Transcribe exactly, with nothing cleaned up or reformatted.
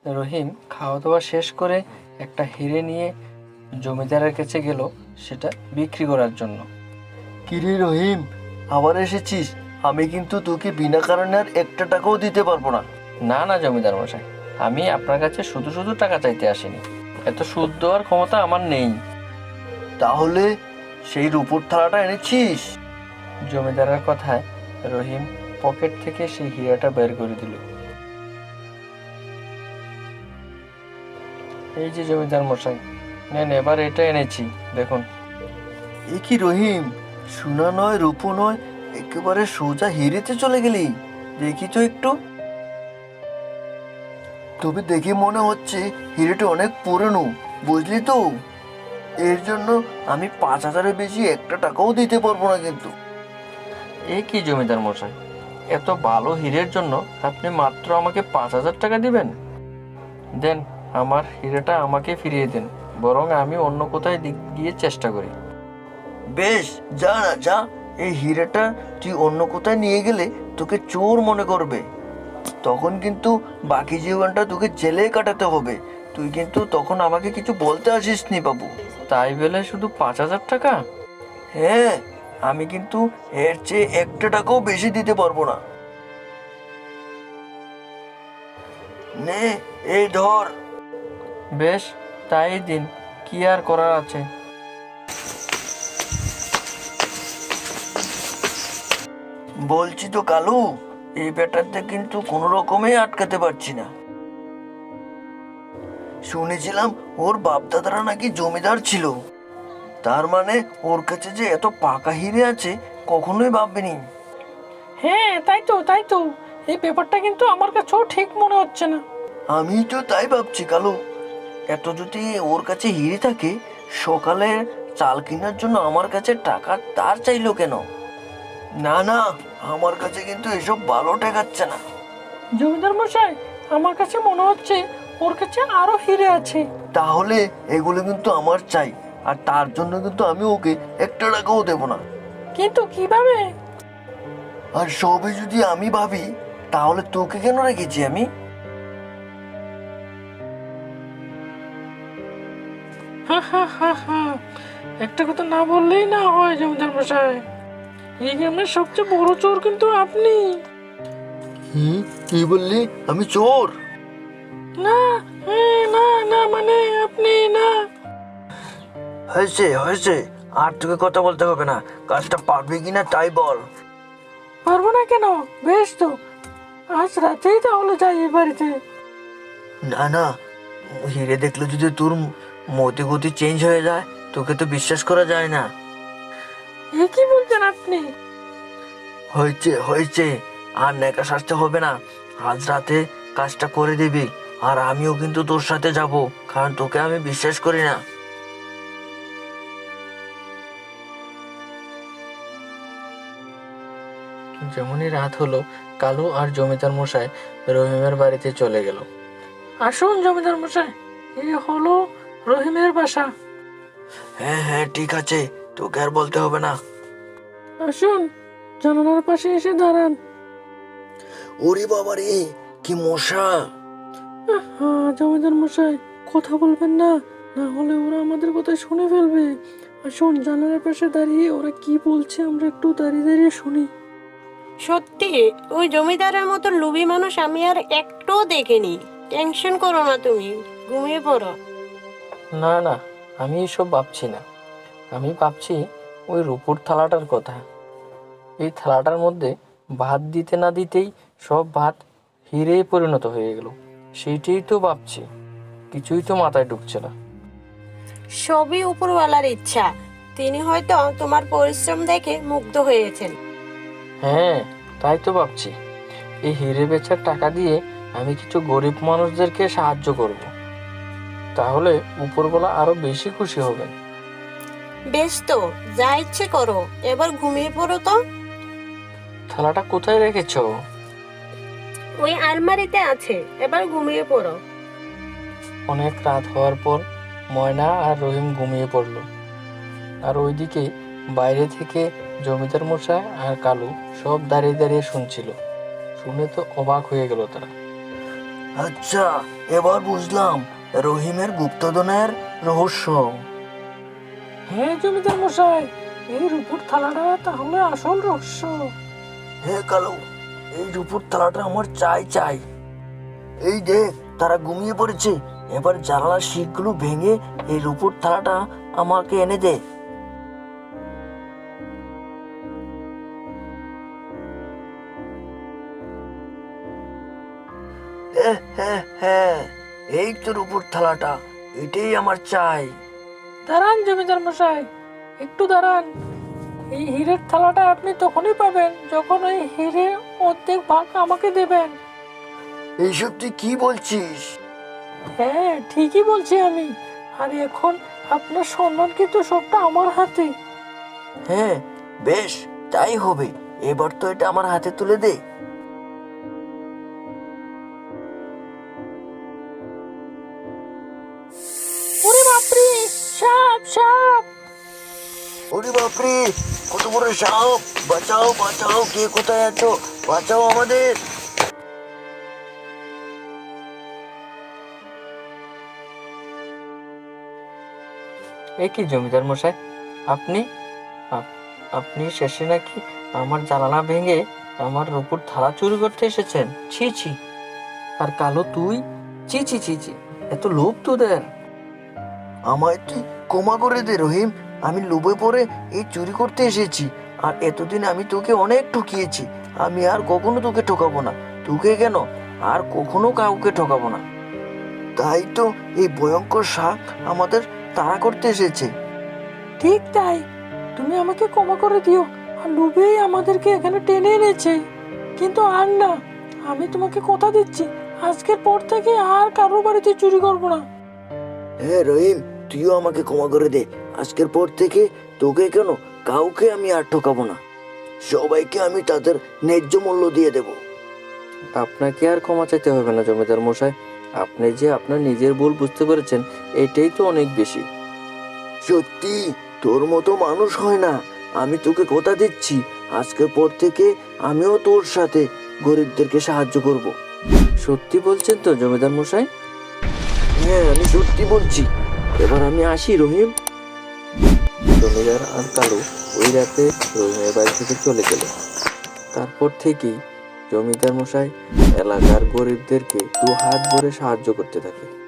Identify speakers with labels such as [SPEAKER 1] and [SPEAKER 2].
[SPEAKER 1] রহিম খাওয়া দাওয়া শেষ করে একটা হিরে নিয়ে জমিদারের কাছে গেল সেটা বিক্রি করার জন্য।
[SPEAKER 2] কিরে রহিম, আবার এসেছিস? আমি কিন্তু তোকে বিনা কারণে আর একটা টাকাও দিতে পারবো না।
[SPEAKER 1] না না জমিদার মশাই, আমি আপনার কাছে শুধু শুধু টাকা চাইতে আসিনি, এত সুদ দেওয়ার ক্ষমতা আমার নেই।
[SPEAKER 2] তাহলে সেই রূপোর থালাটা এনেছিস?
[SPEAKER 1] জমিদারের কথায় রহিম পকেট থেকে সেই হীরাটা বের করে দিল। এই যে জমিদার মশাই, নেন এবার এটা এনেছি, দেখুন।
[SPEAKER 2] এ কি রহিম, সোনা নয় রূপো নয়, একেবারে সোজা হিরেতে চলে গেলি। দেখি তো একটু। তবে দেখে মনে হচ্ছে হিরেটা অনেক পুরনো, বুঝলি তো। এর জন্য আমি পাঁচ হাজারের বেশি একটা টাকাও দিতে পারবো না কিন্তু।
[SPEAKER 1] এই কি জমিদার মশাই, এত ভালো হীরের জন্য আপনি মাত্র আমাকে পাঁচ হাজার টাকা দিবেন? দেন, আমার হীরেটা আমাকে ফিরিয়ে দেন, বরং আমি অন্য কোথায় দিক গিয়ে চেষ্টা করি।
[SPEAKER 2] বেশ, যা না যা। এই হীরেটা তুই অন্য কোথায় নিয়ে গেলে তোকে চোর মনে করবে। তখন কিন্তু বাকি জীবনটা তোকে জেলে কাটাতে হবে। তুই কিন্তু তখন আমাকে কিছু বলতে আসিস নি বাবু।
[SPEAKER 1] তাই বলে শুধু পাঁচ হাজার টাকা?
[SPEAKER 2] হ্যাঁ, আমি কিন্তু এর চেয়ে একটা টাকাও বেশি দিতে পারবো না। নে, এই ধর।
[SPEAKER 1] বেশ, তাই দিন, কি আর করার আছে।
[SPEAKER 2] বলছি তো কালু, এই ব্যাটারটা কিন্তু কোনো রকমে আটকাতে পারছি না। শুনেছিলাম ওর বাপদাদারা নাকি জমিদার ছিল। তার মানে ওর কাছে যে এত পাকা হিরে আছে কখনোই ভাববেনি।
[SPEAKER 3] হ্যাঁ, তাই তো তাই তো এই ব্যাপারটা কিন্তু আমার কাছেও ঠিক মনে হচ্ছে না।
[SPEAKER 2] আমি তো তাই ভাবছি কালু। এত যদি ওর কাছে হিরে থাকে, সকালে চাল কেনার জন্য আমার কাছে টাকা তার চাইলো কেন? না না, আমার কাছে কিন্তু এসব ভালো ঠেকাচ্ছে না।
[SPEAKER 3] জমিদার মশাই, আমার কাছে মনে হচ্ছে ওর কাছে আরো হিরে আছে।
[SPEAKER 2] তাহলে এগুলো কিন্তু আমার চাই, আর তার জন্য কিন্তু আমি ওকে একটা টাকাও দেবো না।
[SPEAKER 3] কিন্তু কিভাবে?
[SPEAKER 2] আর সবই যদি আমি ভাবি, তাহলে তোকে কেন রেখেছি আমি?
[SPEAKER 3] হা হা হা হা, একটা কথা না বললেই না হয় জমিদার মশাই, এই গ্রামের সবচেয়ে বড় চোর কিন্তু আপনি।
[SPEAKER 2] হুম, কি বললি? আমি চোর?
[SPEAKER 3] না, হ্যাঁ, না না মানে আপনি না।
[SPEAKER 2] হয়েছে হয়েছে, আর তোকে কথা বলতে হবে না। কাজটা পারবি কিনা তাই বল।
[SPEAKER 3] পারবো না কেন? বেশ তো, আজ রাতেই তাহলে যাই এই বাড়িতে।
[SPEAKER 2] না না, হিরে দেখলে যদি তোর মতি গতি চেঞ্জ হয়ে যায়, তোকে তো বিশ্বাস করা যায় না।
[SPEAKER 3] এ কি বলছেন আপনি?
[SPEAKER 2] হয়েছে হয়েছে, আর নেকা সাজতে হবে না। আজ রাতে কাজটা করে দিবি, আর আমিও কিন্তু তোর সাথে যাব, কারণ তোকে আমি বিশ্বাস করি না।
[SPEAKER 1] যেমনই রাত হলো, কালু আর জমিদার মশাই রহিমের বাড়িতে চলে গেল।
[SPEAKER 3] আসুন জমিদার মশাই, এ হলো রহিমের বাসা।
[SPEAKER 2] হ্যাঁ হ্যাঁ, ঠিক আছে, তোকে আর বলতে হবে না।
[SPEAKER 3] আসুন, জানালার পাশে এসে দাঁড়ান।
[SPEAKER 2] ওরে বাবা রে, কি মশা!
[SPEAKER 3] হ্যাঁ জমিদার মশাই, কথা বলবেন না, না হলে ওরা আমাদের কথা শুনে ফেলবে। আসুন, জানালার পাশে দাঁড়িয়ে ওরা কি বলছে আমরা একটু দাঁড়িয়ে দাঁড়িয়ে শুনি।
[SPEAKER 4] সত্যি ওই জমিদারের মতো লোভী মানুষ আমি আর একটুও দেখিনি। টেনশন করো না, তুমি ঘুমিয়ে পড়ো।
[SPEAKER 1] না না, আমি এসব ভাবছি না, আমি ভাবছি ওই রূপোর থালাটার কথা। এই থালাটার মধ্যে ভাত দিতে না দিতেই সব ভাত হিরে পরিণত হয়ে গেল, সেইটাই তো ভাবছি, কিছুই তো মাথায় ঢুকছে না।
[SPEAKER 4] সবই উপরওয়ালার ইচ্ছা, তিনি হয়তো তোমার পরিশ্রম দেখে মুগ্ধ হয়েছেন।
[SPEAKER 1] হ্যাঁ, তাই তো ভাবছি, এই হিরে বেচার টাকা দিয়ে আমি কিছু গরিব মানুষদেরকে সাহায্য করব, তাহলে উপরওয়ালা আরো বেশি খুশি হবেন।
[SPEAKER 4] বেশ তো, যা ইচ্ছে করো, এবার ঘুমিয়ে পড়ো তো।
[SPEAKER 1] থালাটা কোথায় রেখেছো?
[SPEAKER 4] ওই আলমারিতে আছে, এবার ঘুমিয়ে পড়ো।
[SPEAKER 1] অনেক রাত হওয়ার পর ময়না আর রহিম ঘুমিয়ে পড়ল, আর ওইদিকে বাইরে থেকে জমিদার মশাই আর কালু সব দাঁড়িয়ে দাঁড়িয়ে শুনছিল। শুনে তো অবাক হয়ে গেল তারা।
[SPEAKER 2] আচ্ছা, এবার বুঝলাম রহিমের গুপ্তধনের রহস্য।
[SPEAKER 3] হ্যাঁ জমিদার মশাই, এই রূপুর থালাটা তাহলে আসল রহস্য।
[SPEAKER 2] হে কালু, এই রূপুর থালাটা আমার চাই চাই। এই দেখ, তারা ঘুমিয়ে পড়েছে। এবার জানালার শিকগুলো ভেঙে এই রূপুর থালাটা আমাকে এনে দে। হ্যাঁ হ্যাঁ হ্যাঁ, এই তো রূপুর থালাটা, এটাই আমার চাই।
[SPEAKER 3] দাঁড়ান জমিদার মশাই, একটু দাঁড়ান। এই হীরের থালাটা আপনি তখনই পাবেন যখন ওই হীরে অর্ধেক ভাগ আমাকে দেবেন।
[SPEAKER 2] এইসব তুই কি বলছিস?
[SPEAKER 3] হ্যাঁ ঠিকই বলছি আমি। আর এখন আপনার সম্মান কিন্তু সবটা আমার হাতে।
[SPEAKER 2] হ্যাঁ বেশ, তাই হবে। এবার তো এটা আমার হাতে তুলে দে।
[SPEAKER 3] ওরে বাপরে, সাপ সাপ!
[SPEAKER 2] ওরে বাপরে, কত বড় সাপ! বাঁচাও বাঁচাও, কে কোথায় আছো? বাঁচাও আমাদের।
[SPEAKER 1] এ কি জমিদার মশাই, আপনি আপ- আপনি শেষে নাকি আমার জানালা ভেঙে আমার রূপুর থালা চুরি করতে এসেছেন? ছি ছি! আর কালো তুই, ছি ছি ছি ছি! এত লোভ তোদের!
[SPEAKER 2] আমায় তুই ক্ষমা করে দে রহিম। আমি লোভে পড়ে এই চুরি করতে এসেছি। আর এতদিন আমি তোকে অনেক ঠকিয়েছি। আমি আর কখনো তোকে ঠকাবো না। তোকে কেন, আর কখনো কাউকে ঠকাবো না। তাই তো এই ভয়ঙ্কর শাক আমাদের তাড়া করতে এসেছে।
[SPEAKER 3] ঠিক তাই, তুমি আমাকে ক্ষমা করে দিও। আর লোভেই আমাদেরকে এখানে টেনে এনেছে। কিন্তু আর না, আমি তোমাকে কথা দিচ্ছি, আজকের পর থেকে আর কারোর বাড়িতে চুরি করব না।
[SPEAKER 2] হ্যাঁ রহিম, তুইও আমাকে ক্ষমা করে দে। আজকের পর থেকে তোকে কেন, কাউকে আমি আর ঠকাবো না। সবাইকে আমি তাদের ন্যায্য মূল্য দিয়ে দেব।
[SPEAKER 1] আপনাকে আর ক্ষমা চাইতে হবে না জমিদার মশাই। আপনি যে আপনার নিজের ভুল বুঝতে পেরেছেন, এটাই তো অনেক বেশি।
[SPEAKER 2] সত্যি তোর মতো মানুষ হয় না। আমি তোকে কথা দিচ্ছি, আজকের পর থেকে আমিও তোর সাথে গরিবদেরকে সাহায্য করব।
[SPEAKER 1] সত্যি বলছেন তো জমিদার মশাই?
[SPEAKER 2] হ্যাঁ, আমি সত্যি বলছি।
[SPEAKER 1] এবার আমি আসি রহিম। জমিদার আর কালু ওই রাতে রহিমের বাড়ি থেকে চলে গেল। তারপর থেকেই জমিদার মশাই এলাকার গরিবদেরকে দু হাত ভরে সাহায্য করতে থাকে।